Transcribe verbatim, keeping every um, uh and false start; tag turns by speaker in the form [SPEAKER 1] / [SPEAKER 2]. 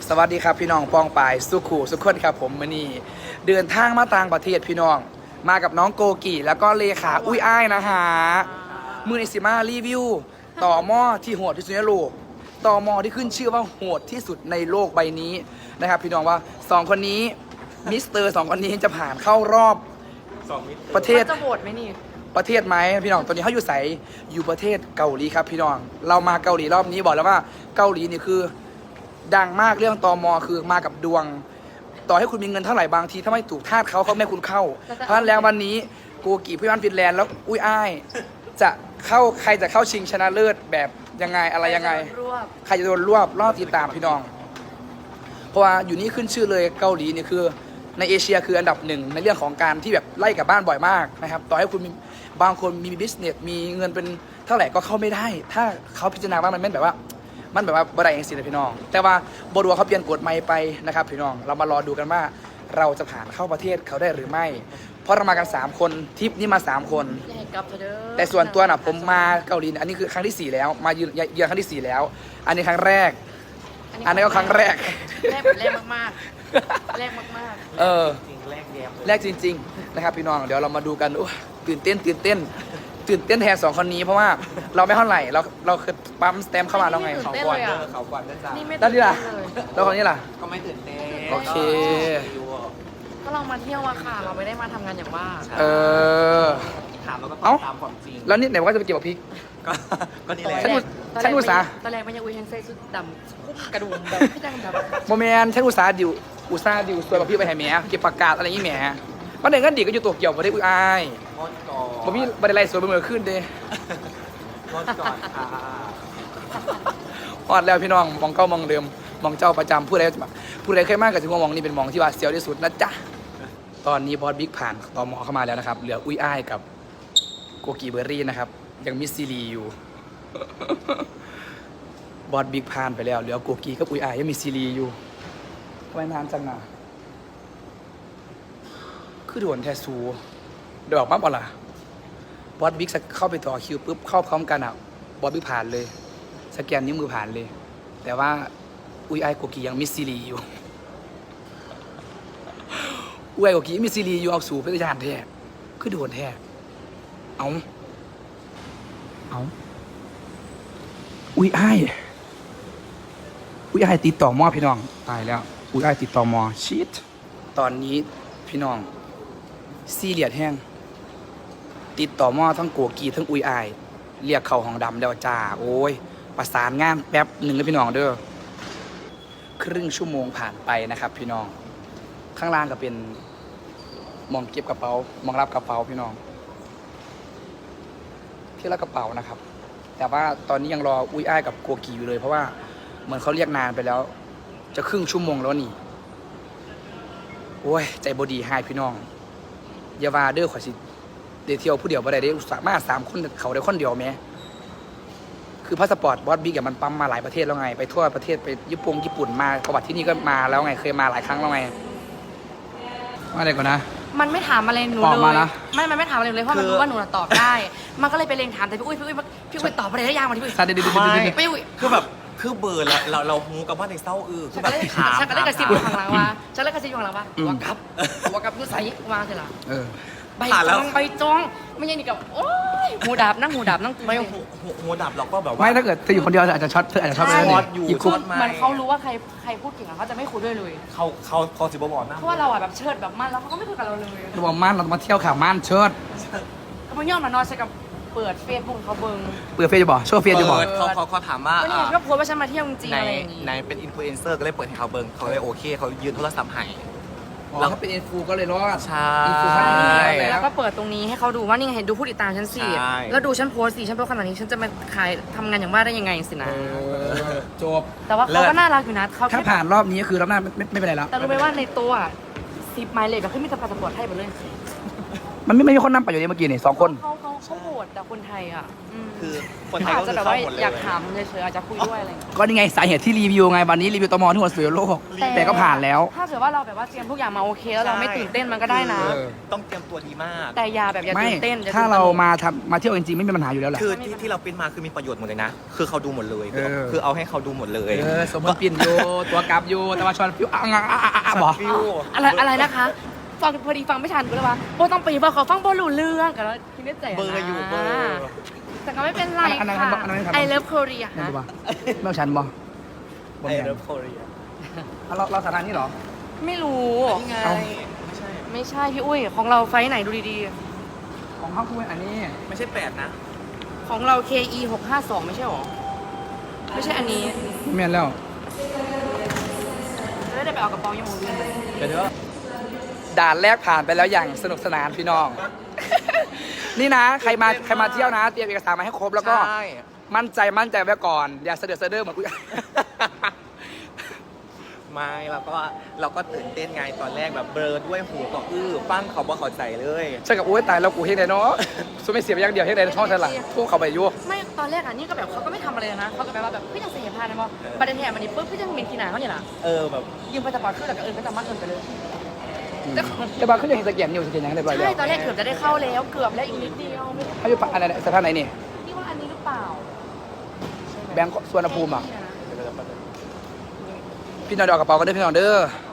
[SPEAKER 1] สวัสดีครับพี่น้องปองปายสุขูสุขคนครับผมมื่อนี้เดินทางมาต่างประเทศพี่น้องมากับน้องโกกีแล้วก็เลขาอุ้ยอ้ายนะฮะมือในสิมารีวิวต่อหม้อที่โหดที่สุดในโลกต่อหม้อที่ขึ้นชื่อว่าโหดที่สุดในโลกใบนี้นะครับพี่น้องว่าสองคนนี้มิสเตอร์สองคนนี้จะผ่านเข้ารอบประเทศ
[SPEAKER 2] จะโหวตไหมนี่
[SPEAKER 1] ประเทศไหมพี่น้องตอนนี้เขาอยู่ใสอยู่ประเทศเกาหลีครับพี่น้องเรามาเกาหลีรอบนี้บอกแล้วว่าเกาหลีนี่คือดังมากเรื่องตมคือมากับดวงต่อให้คุณมีเงินเท่าไหร่บางทีถ้าไม่ถูกทาสเขาเขาไม่คุณเข้าเพราะฉะนั้นแล้ววันนี้โกกีพี่บ้านฟินแลนด์แล้วอุ้ยอ้ายจะเข้าใครจะเข้าชิงชนะเลิศแบบยังไงอะไรยังไงใครจะโดนรวบรอบติดตามพี่น้องเพราะว่าอยู่นี่ขึ้นชื่อเลยเกาหลีนี่คือในเอเชียคืออันดับหนึ่งในเรื่องของการที่แบบไล่กับบ้านบ่อยมากนะครับต่อให้คุณมีบางคนมีบิสเนสมีเงินเป็นเท่าไหร่ก็เข้าไม่ได้ถ้าเขาพิจารณาว่ามันไม่แบบว่ามันแบบว่าบรายเองสินะพี่น้องแต่ว่าบรัวเขาเปลี่ยนกฎใหม่ไปนะครับพี่น้องเรามารอดูกันว่าเราจะผ่านเข้าประเทศเขาได้หรือไม่เพราะเรามากันสามคนทริปนี้มาสามคนแต่ส่วนตัวน่ะผมมาเกาหลีอันนี้คือครั้งที่สี่แล้วมาเยือนเยือนครั้งที่สี่แล้วอันนี้ครั้งแรกอันนี้ก็ครั้งแรก
[SPEAKER 2] แรกแบบแรกมากๆแรกมาก
[SPEAKER 1] ๆเออแรกจริงๆนะครับพี่น้องเดี๋ยวเรามาดูกันตื่นเต้นตื่นเต้นตื่นเต้นแทนสองคนนี้เพราะว่าเราไม่เท่าไหร่เราเราเคยปั๊มสเต็มเข้ามาแล้วไง
[SPEAKER 2] เขาก่อน
[SPEAKER 3] เขาก่อนนะจ๊ะ
[SPEAKER 1] ด้านนี้ล่ะแล้วคนนี้ล่ะ
[SPEAKER 3] ก็ไม่ตื่นเต้น
[SPEAKER 1] โอเค
[SPEAKER 2] ก็เรามาเที่ยวอะค่ะเราไม่ได้มาทำงานอย่างว่า
[SPEAKER 1] เออ
[SPEAKER 3] ถามแล้วก็ตามความจริง
[SPEAKER 1] แล้วนี่ไหนว่าจะไปเกี่ยวกับพริก
[SPEAKER 3] ก็นี่แหละ
[SPEAKER 1] ฉันอุตส่าห์
[SPEAKER 2] ตอนแรกมันยังอุ้ยยังใส่ชุดดำคุ้มกระดุมแบบพี่ดังแบบ
[SPEAKER 1] โมเมนต์ฉันอุตส่าห์ดิวอุตส่าห์ดิวสวยกับพี่ไปแห่แหมเก็บปากกาอะไรอย่างงี้แหมวันหนึ่งก็ดีก็อยู่ตัวเกี่ยวมาได้อุ้ยอายผมมีบันไดไล่สวยบนมือขึ้นเด้
[SPEAKER 3] รถก่อนค่ะ
[SPEAKER 1] พอดแล้วพี่น้องมองเก้ามองเดิมมองเจ้าประจำผู้ใดผู้ใดเคยมากกับถึงมองนี่เป็นมองที่ว่าเสียวที่สุดนะจ๊ะตอนนี้บอสบิ๊กผ่านตมเข้ามาแล้วนะครับเหลืออุ้ยอ้ายกับโกกีเบอร์รี่นะครับยังมิสซีรีอยู่บอสบิ๊กผ่านไปแล้วเหลือโกกีกับอุ้ยอ้ายยังมีซีรีอยู่ทำไมนานจังอ่ะคือโดนแทสูเดี๋ยวออกปั๊บเอาล่ะบอสบิ๊กเข้าไปต่อคิวปุ๊บเข้าพร้อมกันอ่ะบอสบิ๊กผ่านเลยสแกนนิ้วมือผ่านเลยแต่ว่าอุ้ยไอโกกียังมิสซีรีอยู่อุ้ยไอโกกีมิสซีรีอยู่เอาสู่พระยานแท้คือโดนแท้เอาเอาอุ้ยไออุ้ยไอติดต่อมอพี่น้องตายแล้วอุ้ยไอติดต่อมอชิตตอนนี้พี่น้องซีเรียดแห้งติดต่อมอทั้งโกกีทั้งอุ้ยไอเรียกเข้าห้องดำแล้วจ้าโอ้ยประสานงานแป๊บหนึ่งเลยพี่น้องเด้อครึ่งชั่วโมงผ่านไปนะครับพี่น้องข้างล่างก็เป็นมองเก็บกระเป๋ามองรับกระเป๋าพี่น้องที่รับกระเป๋านะครับแต่ว่าตอนนี้ยังรออุ้ยอ้ายกับโกกีอยู่เลยเพราะว่าเหมือนเขาเรียกนานไปแล้วจะครึ่งชั่วโมงแล้วนี่โอ้ยใจบดีให้พี่น้องอย่าว่าเด้อขอสิเดี๋ยวเที่ยวผู้เดียวบ่ได้เด้สามารถสามคนเขาได้คนเดียวไหมคือพาสปอร์ตบอสบิ๊กมันปั๊มมาหลายประเทศแล้วไงไปทั่วประเทศไปญี่ปุ่งญี่ปุ่นมาประวัติที่นี่ก็มาแล้วไงเคยมาหลายครั้งแล้วไงว่าอะไรก่อนนะ
[SPEAKER 2] มันไม่ถามอะไรหนูเลยไม่มันไม่ถามอะไรเลยเพราะมันรู้ว่าหนูตอบได้มันก็เลยไปเล็งถามแต่พี่อุ้ยพี่อุ้ยพี่อุ้ยตอบอะไรได้ยากกว่าที่พี่อุ้ย
[SPEAKER 3] ไม่คือแบบคือเบอร์เราเราเราหูกับว่าในเศร้าอือคือแบบถาม
[SPEAKER 2] ฉันก็ได้กระซิบอยู่ข้างหลังว่าฉันได้กระซิบอยู่ข้างหลังว่าว่ากับว่ากับผู้ใส่มาสิล่ะใบจองใบจองไม่ใช่นี่กับโอ้ยหูดับนั่งหูดับนั่ง
[SPEAKER 3] ไม่หูหูดับเราก็แบบว่า
[SPEAKER 1] ไม่ถ้าเกิดเธออยู่คนเดียวอาจจะช็อตเธออาจจะช็อตไป
[SPEAKER 3] เลย
[SPEAKER 2] อยู่คุมันเขารู้ว่าใครใครพูดเก่งเขาจะไม่คุยด้วยเลย
[SPEAKER 3] เขาเขาเขาสิบบอกนะ
[SPEAKER 2] เพราะว่าเราอ่ะแบบเชิดแบบมั่นแล้วเขาก็ไม่คุยกับเราเลย
[SPEAKER 1] เราบอกมั่นเรามาเที่ยวข่าวมั่นเชิด
[SPEAKER 2] เขาไม่ยอมมานอนใช่กับเปิดเฟซบุ๊กเขาเบิ้ง
[SPEAKER 1] เปิดเฟซจะบอกโชว์เฟซจะบอก
[SPEAKER 3] เขาเขาเขาถามว่า
[SPEAKER 2] เนี่ยก็โพสว่าฉันมาเที่ยวจริงๆอะไรอย่างงี้
[SPEAKER 3] ในเป็นอินฟลูเอนเซอร์ก็เลยเปิดให้เขาเบิ้งเขาเลยโอเคเขายืนโทรศัพท์ให้
[SPEAKER 1] แล้วเขาเป็นอินฟูก็เลยรอด
[SPEAKER 3] ใช่
[SPEAKER 2] แล้วก็เปิดตรงนี้ให้เขาดูว่านี่ไงเห็นดูผู้ติดตามฉันสิแล้วดูฉันโพสสิฉันโพสขนาดนี้ฉันจะมาขายทำงานอย่างว่าได้ยังไงสินะ
[SPEAKER 1] จบ
[SPEAKER 2] แต่ว่าเขาก็น่ารักอยู่นะ
[SPEAKER 1] เขาถ้าผ่านรอบนี้คือรอบหน้าไม่ไม่เป็นไรแล้ว
[SPEAKER 2] แต่รู้ไหมว่าในตัวซิปไมล์เลยแบบขึ้นมีแต่พาสปอร์ตให้ไปเลย
[SPEAKER 1] มันไม่ไม่มีคนนั่งไปอยู่ในเมื่อกี้นี่สองคน
[SPEAKER 2] เขาโหดแต่คนไทยอ่ะม
[SPEAKER 3] คือคนไทย
[SPEAKER 2] อาจ
[SPEAKER 3] ก็
[SPEAKER 2] จะ
[SPEAKER 3] คือ
[SPEAKER 2] แบบ
[SPEAKER 3] เข้า
[SPEAKER 2] ว่า
[SPEAKER 3] หมดเลย
[SPEAKER 2] อยากถามเฉยๆอาจจะคุยด้วยอะไรอย่างเงี้ย
[SPEAKER 1] ก็นี่ไงสาเหตุที่รีวิวไงวันนี้รีวิวตมที่หัวเสือโลก แต่ก็ผ่านแล้ว
[SPEAKER 2] ถ้าเกิดว่าเราแบบว่าเตรียมทุกอย่างมาโอเคแล้วเราไม่ตื่นเต้นมันก็ได้นะ
[SPEAKER 3] คือต้องเตรียมตัวดีมาก
[SPEAKER 2] แต่อย่าแบบอย่า
[SPEAKER 1] ไม่
[SPEAKER 2] ตื่นเต้นอย่
[SPEAKER 1] ถ้า
[SPEAKER 2] ตื่นตะหนก
[SPEAKER 1] เรามาทำมาเที่ยวจริงๆไม่มีปัญหาอยู่แล้วแหละ
[SPEAKER 3] คือที่ที่เราปริ้นมาคือมีประโยชน์หมดเลยนะ คือเขาดูหมดเลย คือ
[SPEAKER 1] เออ
[SPEAKER 3] คือเอาให้เขาดูหมดเลย
[SPEAKER 1] เออสมมติปิ่นอยู่ตัวกราฟอยู่แต่ว่าชอนฟิวอ่ะอ่ะอ่ะอ่ะอ่ะบอก
[SPEAKER 3] ฟิว
[SPEAKER 2] อะไรอะไรนะคะฟังพอดีฟังไม่ทันก็เลยว่าโบต้องไปว่าเขาฟังโบรู้เรื่องกันแล้วคิดได้ใจ
[SPEAKER 3] เบอร์อยู่เบอร์
[SPEAKER 2] แต่ก็ไม่เป็นไร
[SPEAKER 1] อันนั้น
[SPEAKER 2] ค่ะ
[SPEAKER 1] อันนั้นอันนั้น
[SPEAKER 2] I love Korea
[SPEAKER 1] นั่น
[SPEAKER 2] ฮะ
[SPEAKER 1] ดูป่ะแม่ฉันบอกบอก
[SPEAKER 3] ไอ
[SPEAKER 1] แม่
[SPEAKER 3] เลิฟโคเรีย
[SPEAKER 1] เราเราสถานะนี้เหรอ
[SPEAKER 2] ไม่รู้
[SPEAKER 3] นี่ไง
[SPEAKER 1] เอ้า
[SPEAKER 3] ไม่ใช่
[SPEAKER 2] ไม่ใช่พี่อุ้ยของเราไฟท์ไหนดูดี
[SPEAKER 1] ของเขาคืออันนี้
[SPEAKER 3] ไม่ใช่แปดนะ
[SPEAKER 2] ๆ ของเรา เค อี หกห้าสองไม่ใช่หรอ ไม่ใช่อันนี้
[SPEAKER 1] แม่นแล้ว
[SPEAKER 2] จะได้ไปเอากระเป๋ายังมูวิน
[SPEAKER 3] เดี๋ยวเดี๋ยว
[SPEAKER 1] ด่านแรกผ่านไปแล้วอย่างสนุกสนานพี่น้อง นี่นะ ใครมาใครมาเที่ยวนะ เตรียมเอกสารมาให้ครบแล้วก็
[SPEAKER 3] ใช่
[SPEAKER 1] มั่นใจมั่นใจไว้ก่อน อย่าเสด็จเสด็จเหมือนกู
[SPEAKER 3] ไม่เราก็เราก็ตื่นเต้นไงตอนแรกแบบเบลอด้วยหูก็อื้อปั้งเขาบ่เข้าใจเลย
[SPEAKER 1] ใช่กับโอ้ยตายแล้วกูเฮ็ดได้เนาะสุดไม่เสียไปอย่างเดียวเฮ็ดได้ช่องฉันหลังพุ่งเข้าไปยั่ว
[SPEAKER 2] ไม่ตอนแรกอ่ะนี่ก็แบบเขาก็ไม่ทำอะไรนะเขาก็แบบว่าแบบพี่ยังเสียพานนะบอประเด็นแห่มันนี่ปุ๊บพี่ยังเป็นทีหนาเขาเนี่ยล่ะ
[SPEAKER 3] เออแบบ
[SPEAKER 2] ยืมไปสปอร์ตขึ้นแล้วก็เอินไปตามมาเอินไปเลย
[SPEAKER 1] แต่บางเขายังเห็นสแกนอยู่สแกนยังได้บ่อยแล้
[SPEAKER 2] ใช่
[SPEAKER 1] ว
[SPEAKER 2] ตอนแรกเกือบจะได้เข้าแล้วเกือบแล้วอีกนิดเดียวไม่
[SPEAKER 1] เขาอยู่ปะอะไรสถานไหนนี่
[SPEAKER 2] นี่ว่าอันนี้หรือเปล่า
[SPEAKER 1] แบงค์สวนภูมิอ่ะพี่น้องเดยวเอากระเป๋ากันเด้อพี่น้องเด้อ